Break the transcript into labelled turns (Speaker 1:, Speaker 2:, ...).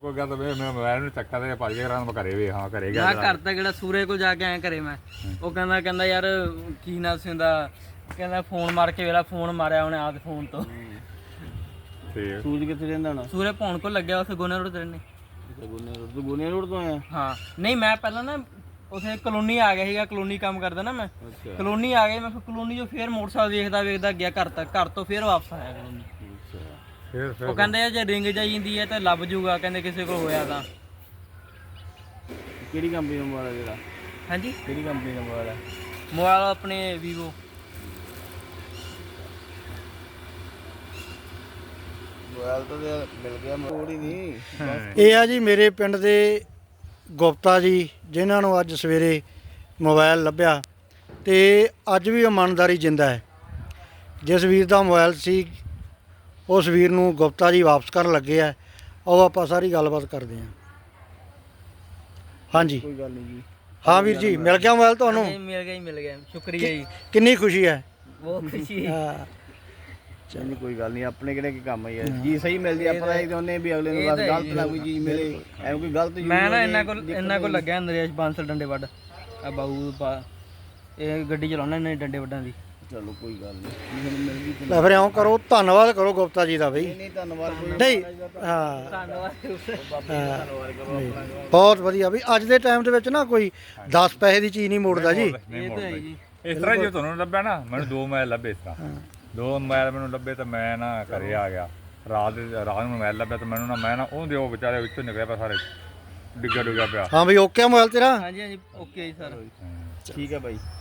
Speaker 1: ਕੋਈ ਗੱਲ ਤਾਂ ਮੈਂ ਮੋਬਾਈਲ ਨੂੰ ਚੱਕਾ ਤੇ ਭੱਜ ਗਿਆ ਰਾਂ ਘਰੇ ਵੀ ਹਾਂ ਘਰੇ ਗਿਆ
Speaker 2: ਮੈਂ ਘਰ ਤਾਂ ਕਿਹੜਾ ਸੂਰੇ ਕੋਲ ਜਾ ਕੇ ਆਇਆ ਘਰੇ ਮੈਂ ਉਹ ਕਹਿੰਦਾ ਯਾਰ ਕੀ ਨਾ ਸੀ ਹੁੰਦਾ ਕਹਿੰਦਾ ਫੋਨ ਮਾਰ ਕੇ ਵੇਲਾ ਫੋਨ ਮਾਰਿਆ ਉਹਨੇ ਆਦ ਫੋਨ ਤੋਂ
Speaker 1: ਠੀਕ
Speaker 3: ਸੂਰਜ ਕਿੱਥੇ ਰਹਿੰਦਾ ਹੁਣ?
Speaker 2: ਸੂਰੇ ਭੌਣ ਕੋਲ ਲੱਗਿਆ ਉੱਥੇ ਗੋਨੇ ਰੋਡ ਤੇ ਰਹਿੰਦੇ।
Speaker 3: ਗੋਨੇ ਰੋਡ ਤੋਂ ਆਇਆ?
Speaker 2: ਹਾਂ ਨਹੀਂ ਮੈਂ ਪਹਿਲਾਂ ਨਾ ਉਥੇ ਕਲੋਨੀ ਆ ਗਿਆ ਸੀਗਾ ਕਲੋਨੀ ਕੰਮ ਕਰਦਾ ਨਾ ਮੈਂ
Speaker 3: ਅੱਛਾ
Speaker 2: ਕਲੋਨੀ ਆ ਗਏ ਮੈਂ ਫਿਰ ਕਲੋਨੀ ਚੋਂ ਫੇਰ ਮੋਟਰਸਾਈਕਲ ਵੇਖਦਾ ਗਿਆ ਘਰ ਤੱਕ ਘਰ ਤੋਂ ਫੇਰ ਵਾਪਸ ਆਇਆ ਕਲੋਨੀ।
Speaker 1: ਫਿਰ
Speaker 2: ਉਹ ਕਹਿੰਦੇ ਜੇ ਰਿੰਗ ਜਾਈ ਜਾਂਦੀ ਹੈ ਤਾਂ ਲੱਭ ਜੂਗਾ ਕਹਿੰਦੇ ਕਿਸੇ ਕੋਲ ਹੋਇਆ ਤਾਂ।
Speaker 3: ਕਿਹੜੀ ਕੰਪਨੀ ਦਾ ਮੋਬਾਈਲ ਹੈ ਜਿਹੜਾ?
Speaker 2: ਹਾਂਜੀ
Speaker 3: ਕਿਹੜੀ ਕੰਪਨੀ ਦਾ ਮੋਬਾਈਲ ਹੈ?
Speaker 2: ਮੋਬਾਈਲ ਆਪਣੇ ਵੀਵੋ।
Speaker 3: ਮੋਬਾਈਲ ਤਾਂ ਮਿਲ ਗਿਆ ਮੋੜ ਹੀ ਨਹੀਂ।
Speaker 4: ਇਹ ਆ ਜੀ ਮੇਰੇ ਪਿੰਡ ਦੇ ਗੁਪਤਾ ਜੀ ਜਿਨ੍ਹਾਂ ਨੂੰ ਅੱਜ ਸਵੇਰੇ ਮੋਬਾਈਲ ਲੱਭਿਆ ਤੇ ਅੱਜ ਵੀ ਇਮਾਨਦਾਰੀ ਜਿੰਦਾ ਹੈ। ਜਿਸ ਵੀਰ ਦਾ ਮੋਬਾਈਲ ਸੀ ਉਸ ਵੀਰ ਨੂੰ ਗੁਪਤਾ ਜੀ ਵਾਪਸ ਕਰਨ ਲੱਗੇ ਆ। ਉਹ ਆਪਾਂ ਸਾਰੀ ਗੱਲਬਾਤ ਕਰਦੇ ਹਾਂ। ਹਾਂਜੀ
Speaker 3: ਕੋਈ ਗੱਲ ਨਹੀਂ ਜੀ।
Speaker 4: ਹਾਂ ਵੀਰ ਜੀ ਮਿਲ ਗਿਆ ਮੋਬਾਈਲ ਤੁਹਾਨੂੰ?
Speaker 2: ਮਿਲ ਗਿਆ ਸ਼ੁਕਰੀਆ ਜੀ
Speaker 4: ਕਿੰਨੀ ਖੁਸ਼ੀ ਹੈ?
Speaker 2: ਬਹੁਤ ਖੁਸ਼ੀ ਹੈ।
Speaker 4: ਹਾਂ
Speaker 3: ਚਲੋ ਕੋਈ ਗੱਲ ਨਹੀਂ ਆਪਣੇ ਕਿਹੜੇ ਕੀ ਕੰਮ ਹੈ ਜੀ ਸਹੀ ਮਿਲਦੀ ਆਪਾਂ ਤਾਂ ਇਹ ਚਾਹੁੰਦੇ ਵੀ ਅਗਲੇ ਨੂੰ ਬਸ ਗਲਤ ਨਾ ਕੋਈ ਚੀਜ਼ ਮਿਲੇ ਐਵੇਂ ਕੋਈ ਗਲਤ ਚੀਜ਼
Speaker 2: ਮੈਂ ਨਾ ਇਹਨਾਂ ਕੋਲ ਲੱਗਿਆ ਨਰੇਸ਼ ਬਾਂਸਲ ਡੰਡੇ ਵੱਡ ਆ ਬਾਊ ਇਹ ਗੱਡੀ ਚਲਾਉਣਾ ਇਹਨਾਂ ਡੰਡੇ ਵੱਡਾਂ ਦੀ।
Speaker 3: ਚਲੋ ਕੋਈ ਗੱਲ ਨਹੀਂ ਮਿਲ ਗਈ।
Speaker 4: ਲੈ ਫਿਰ ਇਉਂ ਕਰੋ ਧੰਨਵਾਦ ਕਰੋ ਗੁਪਤਾ ਜੀ ਦਾ ਬਈ।
Speaker 3: ਨਹੀਂ ਧੰਨਵਾਦ ਕੋਈ
Speaker 4: ਨਹੀਂ ਹਾਂ
Speaker 2: ਧੰਨਵਾਦ।
Speaker 4: ਬਹੁਤ ਵਧੀਆ ਵੀ ਅੱਜ ਦੇ ਟਾਈਮ ਦੇ ਵਿੱਚ ਨਾ ਕੋਈ 10 ਪੈਸੇ ਦੀ ਚੀਜ਼ ਨਹੀਂ ਮੋੜਦਾ ਜੀ।
Speaker 1: ਨਹੀਂ
Speaker 2: ਇਹ ਤਾਂ ਹੈ
Speaker 1: ਮੋੜਦਾ
Speaker 2: ਜੀ।
Speaker 1: ਇਸ ਤਰ੍ਹਾਂ ਜੇ ਤੁਹਾਨੂੰ ਲੱਭਿਆ ਨਾ ਮੈਨੂੰ 2 ਮੋਬਾਈਲ ਲੱਭੇ ਇਸ ਤਰ੍ਹਾਂ 2 ਮੋਬਾਈਲ ਮੈਨੂੰ ਲੱਭੇ ਤਾਂ ਮੈਂ ਨਾ ਘਰੇ ਆ ਗਿਆ ਰਾਤ ਨੂੰ ਮੋਬਾਈਲ ਲੱਭਿਆ ਤਾਂ ਮੈਨੂੰ ਨਾ ਮੈਂ ਨਾ ਉਹਦੇ ਉਹ ਵਿਚਾਰੇ ਵਿੱਚੋਂ ਨਿਕਲਿਆ ਪਿਆ ਸਾਰੇ ਡਿੱਗਾ ਪਿਆ।
Speaker 4: ਹਾਂ ਬਈ ਓਕੇ ਮੋਬਾਈਲ ਤੇਰਾ?
Speaker 2: ਹਾਂਜੀ ਓਕੇ ਜੀ ਸਰ।
Speaker 3: ਠੀਕ ਹੈ ਬਾਈ।